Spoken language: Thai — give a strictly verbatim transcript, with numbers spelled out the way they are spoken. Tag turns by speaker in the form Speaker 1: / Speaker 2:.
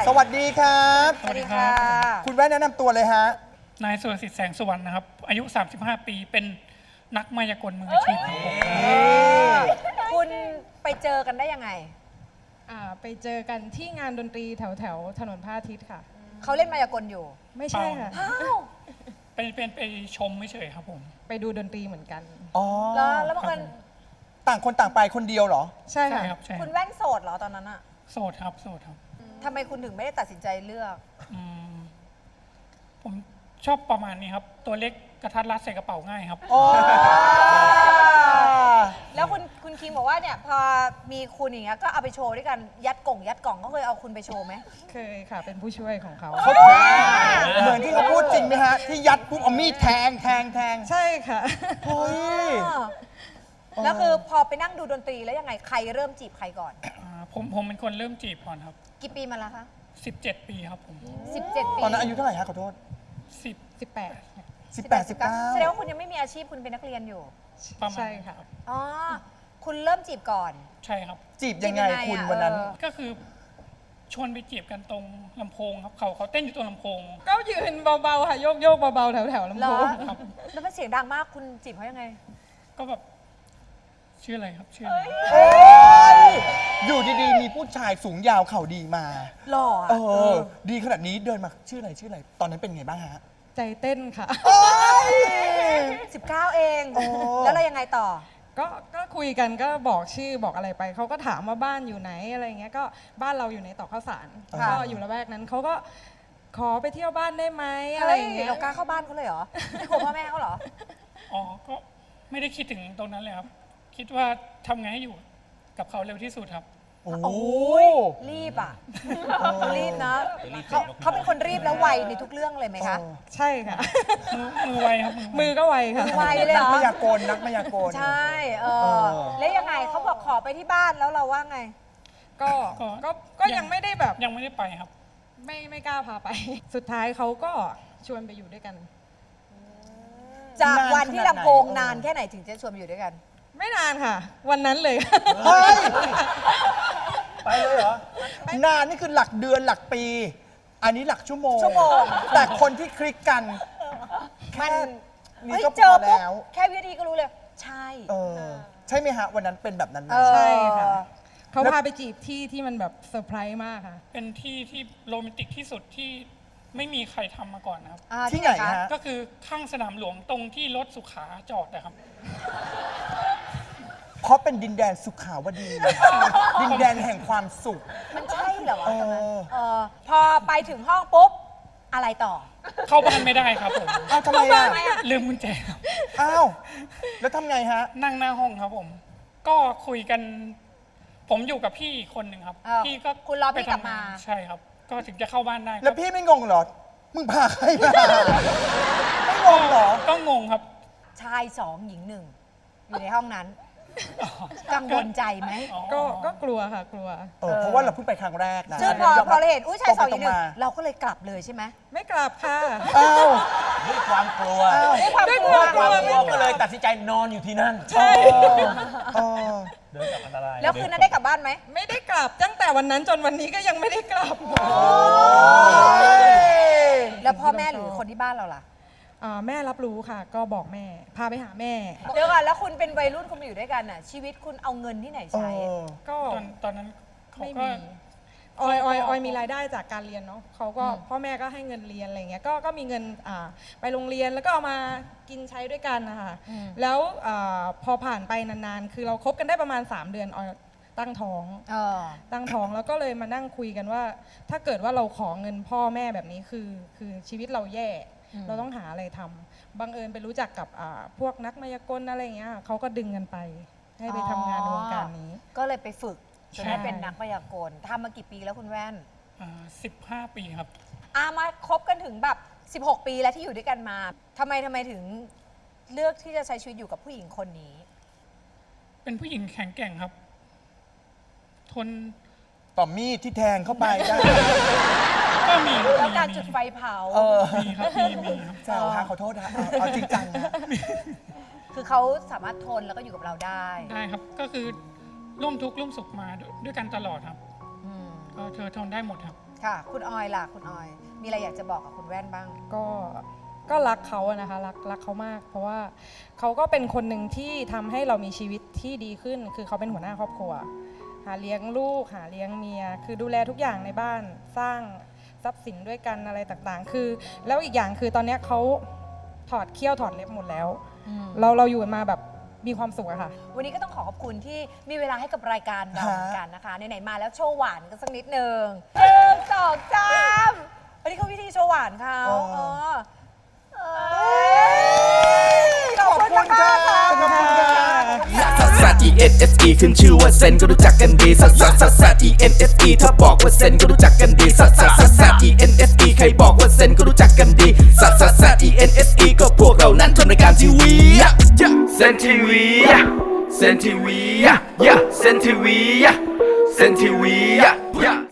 Speaker 1: สวัสดีครับ
Speaker 2: สวัสดีค่ะ
Speaker 1: คุณแว่นแนะนำตัวเลยฮะ
Speaker 3: นายสุรสิทธิ์แสงสุวรรณนะครับ อายุ สามสิบห้า ปี เป็นนักมายากลมืออาชีพครับผม
Speaker 2: คุณไปเจอกันได้ยังไง
Speaker 4: อ่าไปเจอกันที่งานดนตรีแถวแถวๆถนนพระอาทิตย์ค่ะ
Speaker 2: เขาเล่นมายากลอยู่
Speaker 4: ไม่ใช่ค่ะ
Speaker 2: อ้าว
Speaker 3: ไปเป็นไปชมไม่เฉยครับผม
Speaker 4: ไปดูดนตรีเหมือนกัน
Speaker 1: อ๋อ
Speaker 2: แล้วแล้วบังเอิญ
Speaker 1: ต่างคนต่างไปคนเดียวเหรอ
Speaker 4: ใช่
Speaker 3: ใช่
Speaker 4: ค่ะ
Speaker 3: ครับ ใช่ค
Speaker 2: คุ
Speaker 3: รับ
Speaker 2: ณแว่นโสดเหรอตอนนั้นอะ
Speaker 3: โสดครับ โสดครับ
Speaker 2: ทำไมคุณถึงไม่ได้ตัดสินใจเลือก
Speaker 3: อืมผมชอบประมาณนี้ครับ ตัวเล็กกระทัดรัดใส่กระเป๋าง่ายครับ
Speaker 1: อ๋อ
Speaker 2: แล้วคุณคุณคิงบอกว่าเนี่ยพอมีคุณอย่างเงี้ยก็เอาไปโชว์ด้วยกันยัดกล่องยัดกล่องก็เคยเอาคุณไปโชว์ไหม
Speaker 4: เคยค่ะ เป็นผู้ช่วยของเขา
Speaker 1: เขาเหมือนที่เขาพูดจริงไหมฮะ ที่ยัดปุ๊บเอามีดแทงแทงแทง
Speaker 4: ใช่ค่ะ
Speaker 1: เฮ้ย
Speaker 2: แล้วคือพอไปนั่งดูดนตรีแล้วยังไงใครเริ่มจีบใครก่อน
Speaker 3: อ่าผมผมเป็นคนเริ่มจีบก่อนครับ
Speaker 2: กี่ปีมาแล้วคะ
Speaker 3: สิบเจ็ด ปีครับผม
Speaker 2: สิบเจ็ดปี
Speaker 1: ตอนนั้นอายุเท่าไหร่ฮะขอโทษ
Speaker 3: สิบ
Speaker 4: สิบแปด
Speaker 1: สิบแปด สิบเก้า
Speaker 2: แสดงว่าคุณยังไม่มีอาชีพคุณเป็นนักเรียนอยู่
Speaker 3: ประมาณ
Speaker 4: ใช่ค่ะ
Speaker 3: รับ
Speaker 2: อ๋อคุณเริ่มจีบก่อน
Speaker 3: ใช่ครับ
Speaker 1: จีบยังไง
Speaker 2: จีบยังไง
Speaker 1: คุณ
Speaker 2: อะ
Speaker 1: วันนั้น
Speaker 2: เออ
Speaker 3: ก็คือชวนไปจีบกันตรงลำโพงครับ เขาเขาเต้นอยู่ตรงลำโพง
Speaker 4: ก็ยืนเบาๆค่ะโยกโยกๆเบาๆแถวแถวๆลำ
Speaker 2: เหร
Speaker 4: โพ
Speaker 2: อง
Speaker 3: ครับ
Speaker 2: แล้วมันเสียงดังมากคุณจีบเขายังไง
Speaker 3: ก็แบบชื่ออะไรครับ ชื่ออะไร
Speaker 1: โอ้ยอยู่ดีๆ มีผู้ชายสูงยาวเข่าดีมา
Speaker 2: หล่ออะ
Speaker 1: เออ ดีขนาดนี้เดินมาชื่ออะไรชื่ออะไร ตอนนั้นเป็นไงบ้างฮะ
Speaker 4: ใจเต้นค่ะ
Speaker 2: สิบเก้าเอง
Speaker 1: โอ้
Speaker 2: แล้วเรายังไงต่อ
Speaker 4: ก็ก็คุยกันก็บอกชื่อบอกอะไรไป เขาก็ถามว่าบ้านอยู่ไหนอะไรเงี้ย ก็บ้านเราอยู่ในตอกข้าวสาร
Speaker 2: ค่ะ
Speaker 4: ก็อยู่ละแวกนั้นเขาก็ขอไปเที่ยวบ้านได้ไหมอะไร
Speaker 2: เฮ้ย
Speaker 4: อย่างเงี้ย
Speaker 2: เรากล้าเข้าบ้านเขาเลยเหรอ ไม่กลัวพ่อแม่เขาเหรอ
Speaker 3: อ๋อ ก็ไม่ได้คิดถึงตรงนั้นเลยครับ คิดว่าทำไงให้อยู่กับเขาเร็วที่สุดครับ
Speaker 1: โอ้
Speaker 2: โอ้ยรีบอ่ะเขารีบนะเขาเขาเป็นคนรีบแล้วไวในทุกเรื่องเลยไหมคะ
Speaker 4: ใช่ค่ะ
Speaker 3: มือมือไวครับ
Speaker 4: มือก็ไวค่ะ
Speaker 2: ไวเลยเห
Speaker 1: นั
Speaker 2: ร
Speaker 1: ก
Speaker 2: อ
Speaker 1: มายากลนักมายากล
Speaker 2: ใช่ เอ
Speaker 1: เอ
Speaker 2: อ
Speaker 1: อ
Speaker 2: แล้วยังไงเขาบอกขอไปที่บ้านแล้วเราว่าไง
Speaker 4: ก็ก็ก็ยังไม่ได้แบบ
Speaker 3: ยังไม่ได้ไปครับ
Speaker 4: ไม่ไม่กล้าพาไป สุดท้ายเขาก็ชวนไปอยู่ด้วยกัน
Speaker 2: จากวันที่ลำโพง
Speaker 1: นานขนาดไหน
Speaker 2: นานแค่ไหนถึงจะชวนไปอยู่ด้วยกัน
Speaker 4: ไม่นานค่ะ วันนั้นเลย
Speaker 1: เฮ้ย ไปเลยเหรอ นานนี่คือหลักเดือนหลักปี อันนี้หลักชั่วโมง
Speaker 2: ชั่วโมง
Speaker 1: แต่คนที่คลิกกัน
Speaker 2: มัน
Speaker 1: นี่
Speaker 2: เฮ้ย
Speaker 1: ก็
Speaker 2: เจอ
Speaker 1: พอ
Speaker 2: ปุ๊บ
Speaker 1: แล้ว
Speaker 2: แค่วินาทีก็รู้เลย ใช่
Speaker 1: เออ ใช่ไหมฮะ วันนั้นเป็นแบบนั้นไหม
Speaker 2: เออ
Speaker 4: ใช่ค่ะ เขาพาไปจีบที่ที่มันแบบเซอร์ไพรส์มากค่ะ
Speaker 3: เป็นที่ที่โรแมนติกที่สุดที่ไม่มีใครทำมาก่อนนะครับ
Speaker 2: อ่า
Speaker 1: ที่ไหน
Speaker 2: คะ
Speaker 1: ฮะ
Speaker 3: ก็คือข้างสนามหลวงตรงที่รถสุขาจอดนะครับ
Speaker 1: เพราะเป็นดินแดนสุขาวดี ดินแดนแห่งความสุข
Speaker 2: มันใช่เหรอวะ
Speaker 1: เอ
Speaker 2: ตอนนั้น
Speaker 1: อ
Speaker 2: เออพอไปถึงห้องปุ๊บ อะไรต่อ
Speaker 3: เข้าบ้านไม่ได้ครับผม
Speaker 1: เอ้าทำไมอ่ะ
Speaker 3: ลืมกุญแจครับ
Speaker 1: อ้าว แล้วทำไงฮะ
Speaker 3: นั่งหน้าห้องครับผม ก็คุยกัน ผมอยู่กับพี่อีกคนหนึ่งครับ
Speaker 2: เออ
Speaker 3: พี่ก็
Speaker 2: คุณรอพี่
Speaker 3: ไปทำ
Speaker 2: กลับมา
Speaker 3: งนใช่ครับ ก็ถึงจะเข้าบ้านได้
Speaker 1: แล้วพี่ไม่งงเหรอ มึงพาใครมา ไม่งงเหรอ
Speaker 3: ก็งงครับ
Speaker 2: ชายสองหญิงหนึ่งอยู่ในห้องนั้น กังวลใจไหม
Speaker 3: อ๋อ
Speaker 4: ก็ก็กลัวค่ะ กลัว
Speaker 1: เออ เพราะว่าเราเพิ่งไปครั้งแรกนะ
Speaker 2: ซึ่งพอย
Speaker 1: ม
Speaker 2: พอเราเห็นอุ้ยชายสองห
Speaker 1: ต
Speaker 2: ญิ
Speaker 1: รง
Speaker 2: ง
Speaker 1: ไป
Speaker 2: หนึ่ง
Speaker 1: ตรงมา
Speaker 2: เราก็เลยกลับเลยใช่ไหม
Speaker 4: ไม่กลับค่ะ
Speaker 1: อ้าว
Speaker 5: ด้วยความกลัว
Speaker 1: อ้าว
Speaker 2: ด้วยความ
Speaker 4: ด้วย
Speaker 2: กลัว
Speaker 4: ความ
Speaker 5: ความกลัวก็เลยตัดสินใจนอนอยู่ที่นั่น
Speaker 4: ใช่
Speaker 1: เออ
Speaker 5: เดินกับอันตราย
Speaker 2: แล้วคืนนั้นได้กลับบ้านไหม
Speaker 4: ไม่ได้กลับตั้งแต่วันนั้นจนวันนี้ก็ยังไม่ได้กลับ
Speaker 2: แล้วพ่อแม่หรือคนที่บ้านเราล่ะ
Speaker 4: อ่าแม่รับรู้ค่ะ ก็บอกแม่ พาไปหาแม่
Speaker 2: เดี๋ยวก่อนแล้วคุณเป็นวัยรุ่นคุณมาอยู่ด้วยกันน่ะ ชีวิตคุณเอาเงินที่ไหน
Speaker 1: เอ
Speaker 2: ใช้
Speaker 1: อ
Speaker 4: ก็
Speaker 3: ตอนตอนนั้นเขา
Speaker 4: ไม่
Speaker 3: ก็
Speaker 4: มีออยออยออยมีรายได้จากการเรียนเนาะเขาก็พ่อแม่ก็ให้เงินเรียนอะไรเงี้ยก็ก็มีเงินอ่าไปโรงเรียนแล้วก็เอามากินใช้ด้วยกันนะคะแล้วอาพอผ่านไปนานๆ คือเราคบกันได้ประมาณ สาม เดือนออยตั้งท้อง
Speaker 2: เออ
Speaker 4: ตั้งท้องแล้วก็เลยมานั่งคุยกันว่า ถ้าเกิดว่าเราขอเงินพ่อแม่แบบนี้คือคือชีวิตเราแย่
Speaker 2: อืม
Speaker 4: เราต้องหาอะไรทำบังเอิญไปรู้จักกับอ่าพวกนักมายากลอะไรเงี้ยเขาก็ดึงกันไป ให้ไปทำงานในวงการนี้
Speaker 2: ก็เลยไปฝึกจน
Speaker 4: ใช่
Speaker 2: ได้เป็นนักพยากลทำมากี่ปีแล้วคุณแว่น
Speaker 3: สิบห้าปีครับ
Speaker 2: อามาคบกันถึงแบบ สิบหก ปีแล้วที่อยู่ด้วยกันมาทำไมทำไมถึงเลือกที่จะใช้ชีวิตอยู่กับผู้หญิงคนนี้
Speaker 3: เป็นผู้หญิงแข็งแกร่งครับ ทน
Speaker 1: ต่อมีดที่แทงเข้าไปได้
Speaker 3: ก็มี
Speaker 2: แล้วการ
Speaker 3: มี
Speaker 2: จุดไฟเผา
Speaker 1: เออ
Speaker 3: มีครับ มีมีครับ
Speaker 1: แซวฮะขอโทษฮะเอาเอาจริงจังนะ
Speaker 2: คือเขาสามารถทนแล้วก็อยู่กับเราได้
Speaker 3: ได้ครับ ก็คือร่วมทุกข์ร่วมสุขมาด้วยด้วยกันตลอดครับ
Speaker 2: อืม
Speaker 3: ก็เธอทนได้หมดครับ
Speaker 2: ค่ะ คุณออยล่ะคุณออย มีอะไรอยากจะบอกกับคุณแว่นบ้าง
Speaker 4: ก็ก็รักเขาอะนะคะรักรักเขามาก เพราะว่าเขาก็เป็นคนหนึ่งที่ทำให้เรามีชีวิตที่ดีขึ้น คือเขาเป็นหัวหน้าครอบครัว หาเลี้ยงลูกหาเลี้ยงเมีย คือดูแลทุกอย่างในบ้านสร้างทรัพย์สินด้วยกันอะไรต่างๆ คือแล้วอีกอย่างคือตอนเนี้ยเขาถอดเขี้ยวถอดเล็บหมดแล้ว
Speaker 2: อืม
Speaker 4: เราเราอยู่กันมาแบบมีความสุขอะค่ะ
Speaker 2: วันนี้ก็ต้องขอขอบคุณที่มีเวลาให้กับรายการเรา
Speaker 1: ฮะ
Speaker 2: เหมือนกันนะคะไหนๆมาแล้วโชว์หวานกันสักนิดนึงหนึ่งสองสามวันนี้เขาวิธีโชว์หวานเขา
Speaker 1: อ๋อ
Speaker 2: เออเอ้ยขอบคุณมากค่ะ
Speaker 1: ขอบคุณค่ะ
Speaker 6: ซัสซัส E N S E ขึ้นชื่อว่าเซนก็รู้จักกันดีซัสซัสซัสซัส E N S E ถ้าบอกว่าเซนก็รู้จักกันดีซัสซัสซัสซัส E N S E ใครบอกว่าเซนก็รู้จักกันดีซัสซัสซัส E N S E ก็พวกเรานั้นทำรายการทีวีเซนทีวีเซนทีวีเซนทีวีเซนทีวี